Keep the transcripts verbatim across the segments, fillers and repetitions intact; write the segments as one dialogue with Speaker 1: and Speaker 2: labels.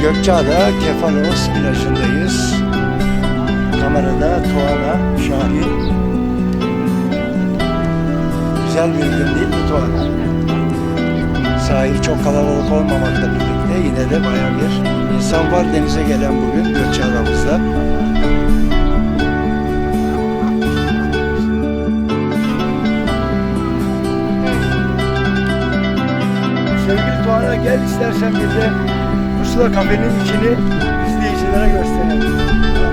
Speaker 1: Gökçeada Kefalos plajındayız. Kamerada Tuana Şahin. Güzel bir gün değil mi Tuana? Sahil çok kalabalık olmamakla birlikte yine de bayağı bir insan var denize gelen bugün Gökçeada'mızda. Sevgili Tuana, gel istersen bir de Pusula Kafe'nin içini izleyicilere gösterelim.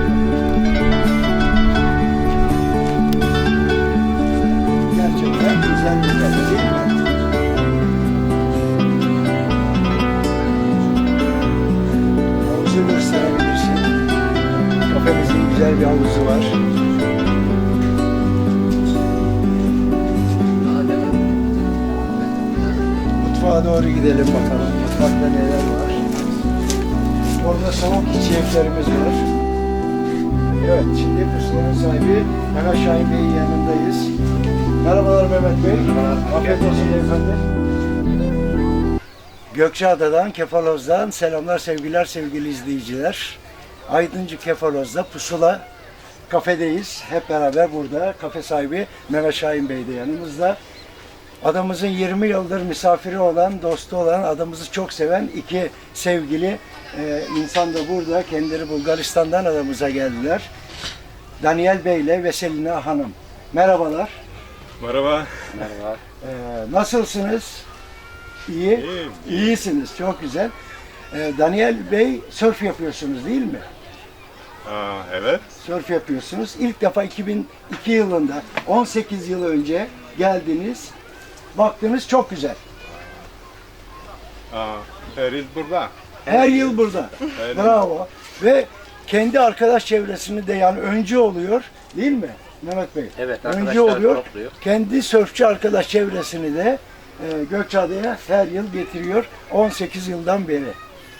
Speaker 1: Gerçekten güzel bir kafe değil mi? Havuzu gösterebilirsin. Kafemizin güzel bir havuzu var. Mutfağa doğru gidelim bakalım. Mutfakta neler var. Orada soğuk içeceklerimiz var. Evet, şimdi Pusula'nın sahibi Mehmet Şahin Bey'in yanındayız. Merhabalar Mehmet Bey. Afiyet olsun beyefendi. Gökçeada'dan, Kefaloz'dan selamlar, sevgiler sevgili izleyiciler. Aydıncı Kefaloz'da Pusula kafedeyiz. Hep beraber burada. Kafe sahibi Mehmet Şahin Bey de yanımızda. Adamızın yirmi yıldır misafiri olan, dostu olan, adamızı çok seven iki sevgili e, insan da burada. Kendileri Bulgaristan'dan adamıza geldiler. Daniel Bey ile Veselina Hanım. Merhabalar.
Speaker 2: Merhaba.
Speaker 3: Merhaba.
Speaker 1: E, nasılsınız? İyi.
Speaker 2: İyiyim.
Speaker 1: İyisiniz. Çok güzel. E, Daniel Bey sörf yapıyorsunuz değil mi?
Speaker 2: Aa, evet.
Speaker 1: Sörf yapıyorsunuz. İlk defa iki bin iki yılında, on sekiz yıl önce geldiniz. Baktınız çok güzel.
Speaker 2: Aa, her yıl burada.
Speaker 1: Her yıl burada.
Speaker 2: Her yıl.
Speaker 1: Bravo. Ve kendi arkadaş çevresini de yani öncü oluyor değil mi Mehmet Bey?
Speaker 3: Evet,
Speaker 1: Öncü
Speaker 3: arkadaşlar
Speaker 1: oluyor.
Speaker 3: topluyor.
Speaker 1: Kendi sörfçü arkadaş çevresini de e, Gökçeada'ya her yıl getiriyor. on sekiz yıldan beri.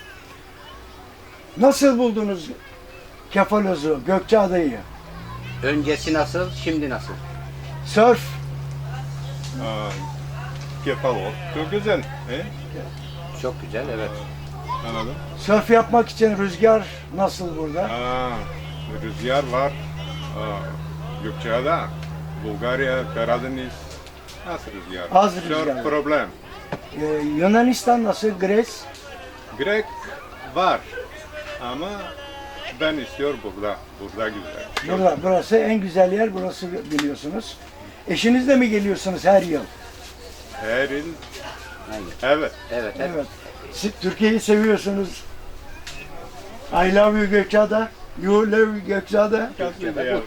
Speaker 1: Nasıl buldunuz Kefaloz'u, Gökçeada'yı?
Speaker 3: Öncesi nasıl, şimdi nasıl?
Speaker 1: Sörf.
Speaker 2: Aa, Kefalot. Çok güzel. He?
Speaker 3: Çok güzel, evet.
Speaker 2: Anladım.
Speaker 1: Sörf yapmak için rüzgar nasıl burada?
Speaker 2: Aa, rüzgar var. Aa, Gökçeada, Bulgarya, Karadeniz. Nasıl rüzgar?
Speaker 1: Az
Speaker 2: Çok
Speaker 1: rüzgar.
Speaker 2: problem.
Speaker 1: Ee, Yunanistan nasıl? Gres?
Speaker 2: Grek var. Ama ben istiyorum burada. Burada güzel. Çok-
Speaker 1: Burada, burası en güzel yer burası biliyorsunuz. Eşinizle mi geliyorsunuz her yıl?
Speaker 2: Her yıl.
Speaker 3: Aynen.
Speaker 2: Evet.
Speaker 3: Evet, evet.
Speaker 1: Evet. Siz Türkiye'yi seviyorsunuz. I love you Gökçeada. You love Gökçeada.
Speaker 2: Çok güzel.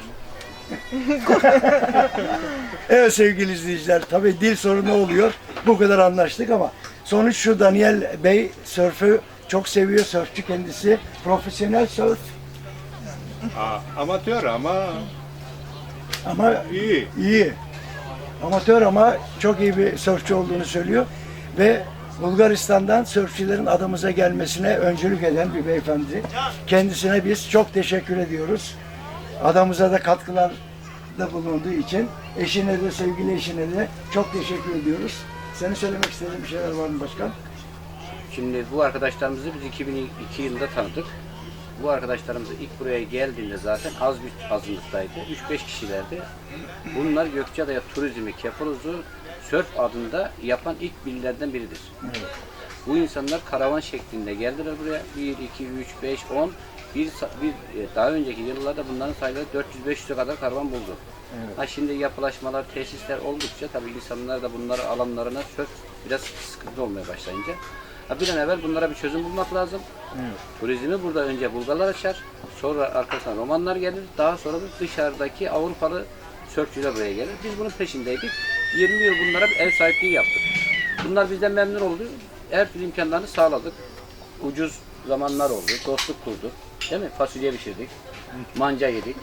Speaker 1: Evet sevgili izleyiciler, tabii dil sorunu oluyor. Bu kadar anlaştık ama sonuç şu: Daniel Bey sörfü çok seviyor. Sörfçü kendisi. Profesyonel sörf
Speaker 2: Aa, amatör ama
Speaker 1: ama
Speaker 2: iyi.
Speaker 1: iyi. Amatör ama çok iyi bir sörfçü olduğunu söylüyor. Ve Bulgaristan'dan sörfçülerin adamıza gelmesine öncülük eden bir beyefendi. Kendisine biz çok teşekkür ediyoruz. Adamıza da katkılarda bulunduğu için eşine de, sevgili eşine de çok teşekkür ediyoruz. Senin söylemek istediğin bir şeyler var mı başkan?
Speaker 3: Şimdi bu arkadaşlarımızı biz iki bin iki yılında tanıdık. Bu arkadaşlarımız ilk buraya geldiğinde zaten az bir azınlıktaydı. üç beş kişilerdi. Bunlar Gökçeada'ya turizmi, Kefaloz'u sörf adında yapan ilk birilerden biridir.
Speaker 1: Evet.
Speaker 3: Bu insanlar karavan şeklinde geldiler buraya. bir, iki, üç, beş, on. Bir, bir, daha önceki yıllarda bunların sayıları dört yüz beş yüze kadar karavan buldu.
Speaker 1: Evet.
Speaker 3: Ha şimdi yapılaşmalar, tesisler oldukça tabii insanlar da bunları alanlarına sörf biraz sıkıntı olmaya başlayınca. Ha bir an evvel bunlara bir çözüm bulmak lazım.
Speaker 1: Evet.
Speaker 3: Turizmi burada önce Bulgarlar açar, sonra arkasından Romanlar gelir, daha sonra da dışarıdaki Avrupalı sörfçüler buraya gelir. Biz bunun peşindeydik. yirmi yıl bunlara bir ev sahipliği yaptık. Bunlar bizden memnun oldu. Her türlü imkanlarını sağladık. Ucuz zamanlar oldu, dostluk kurduk. Değil mi? Fasulye pişirdik, manca yedik.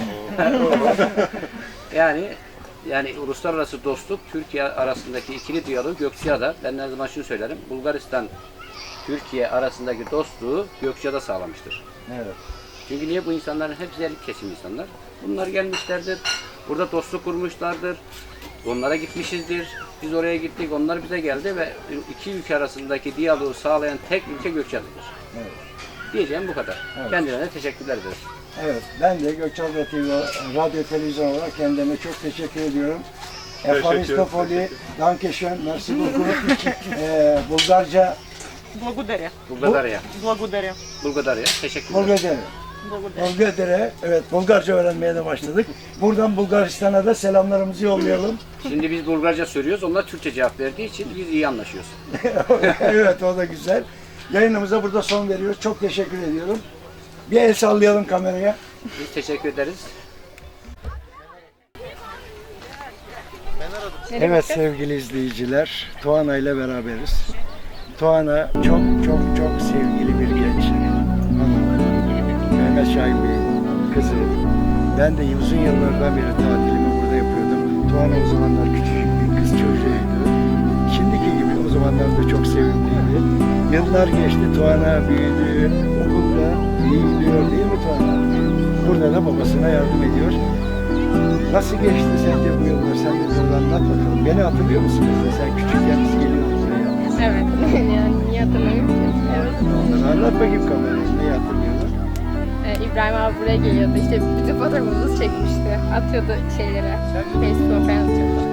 Speaker 3: yani yani uluslararası dostluk, Türkiye arasındaki ikili diyalog Gökçeada. Ben her zaman şunu söylerim. Bulgaristan, Türkiye arasındaki dostluğu Gökçeada sağlamıştır.
Speaker 1: Evet.
Speaker 3: Çünkü niye bu insanların hepsi elit kesim insanlar? Bunlar gelmişlerdir, burada dostluk kurmuşlardır. Onlara gitmişizdir. Biz oraya gittik, onlar bize geldi ve iki ülke arasındaki diyaloğu sağlayan tek ülke Gökçeada'dır.
Speaker 1: Evet.
Speaker 3: Diyeceğim bu kadar.
Speaker 1: Evet.
Speaker 3: Kendilerine teşekkürler ederiz.
Speaker 1: Evet, ben de Gökçeada T V radyo televizyon olarak kendime çok teşekkür ediyorum.
Speaker 2: Teşekkür,
Speaker 1: Efaristopoli,
Speaker 2: teşekkür.
Speaker 1: Dankeschön, merci beaucoup. Ee, Bulgarca,
Speaker 4: Благодаря.
Speaker 3: Bulgadarya.
Speaker 4: Благодаря.
Speaker 3: Bulgadarya. Teşekkürler.
Speaker 1: Bulgadere.
Speaker 4: Благодаря.
Speaker 1: Bulgadere, evet Bulgarca öğrenmeye de başladık. Buradan Bulgaristan'a da selamlarımızı yollayalım.
Speaker 3: Şimdi biz Bulgarca söylüyoruz. Onlar Türkçe cevap verdiği için biz iyi anlaşıyoruz.
Speaker 1: Evet, o da güzel. Yayınımıza burada son veriyoruz. Çok teşekkür ediyorum. Bir el sallayalım kameraya.
Speaker 3: Biz teşekkür ederiz.
Speaker 1: Evet sevgili izleyiciler, Tuana ile beraberiz. Tuana çok çok çok sevgili bir genç hanım. Mehmet Şahin Bey'in kızı. Ben de uzun yıllardan beri tatilimi burada yapıyordum. Tuana o zamanlar küçücük bir kız çocuğuydu. Şimdiki gibi o zamanlar da çok sevimliydi. Yıllar geçti, Tuana büyüdü, okulda iyi gidiyor değil mi Tuana? Burada da babasına yardım ediyor. Nasıl geçti sence bu yıllar? Sen de biraz anlat bakalım. Beni hatırlıyor musun mesela? Sen küçükken biz geliyorduk buraya.
Speaker 5: Evet. Yani niye hatırlamıyorum ki? Evet.
Speaker 1: Onları anlat bakayım kamerayı. Neyi hatırlıyorlar?
Speaker 5: Ee, İbrahim abi buraya geliyordu. İşte bütün fotoğrafımızı çekmişti. Atıyordu şeylere. Facebook'a falan atıyordu.